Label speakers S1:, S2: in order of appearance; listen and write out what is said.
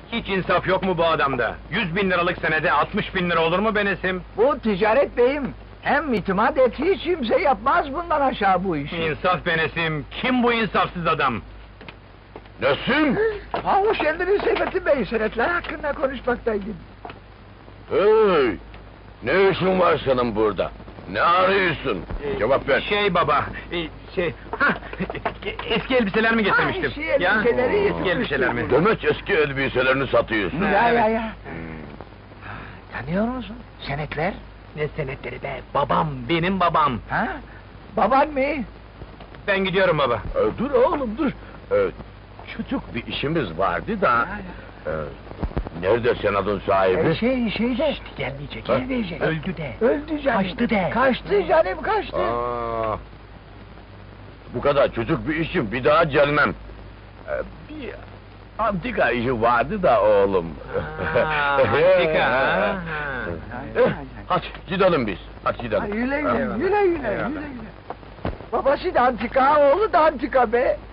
S1: Hiç insaf yok mu bu adamda? 100.000 liralık senede 60.000 lira olur mu be Nesim?
S2: Bu ticaret beyim. Hem itimat et, hiç kimse yapmaz bundan aşağı bu işi.
S1: İnsaf be Nesim, kim bu insafsız adam?
S3: Nesim?
S2: Ha, hoş geldiniz Seyfettin Bey, senetler hakkında konuşmaktaydım.
S3: Hey! Ne işin var senin burada? Ne arıyorsun? Cevap ver.
S1: Şey baba, eski elbiseler mi getirmiştim?
S2: eski elbiseleri
S1: eski elbiseler mi?
S3: Demek eski elbiselerini satıyorsun.
S2: Ya. Tanıyor musun? Senetler?
S1: Ne senetleri be, babam, benim babam.
S2: Ha? Baban mı?
S1: Ben gidiyorum baba.
S3: Dur oğlum dur. Küçük bir işimiz vardı da... Nerede senadın sahibi?
S2: Şeyde.
S1: Gelmeyecek,
S3: Ha?
S1: gelmeyecek. Öldü de.
S2: Öldü canım.
S1: Kaçtı de.
S2: Kaçtı canım, kaçtı.
S3: Aa, bu kadar çocuk bir işim bir daha gelmem. Bir antika işi vardı da oğlum.
S1: Antika, ha?
S3: Hadi gidelim biz. Hadi gidelim.
S2: Güle güle. Babası da antika, oğlu da antika be.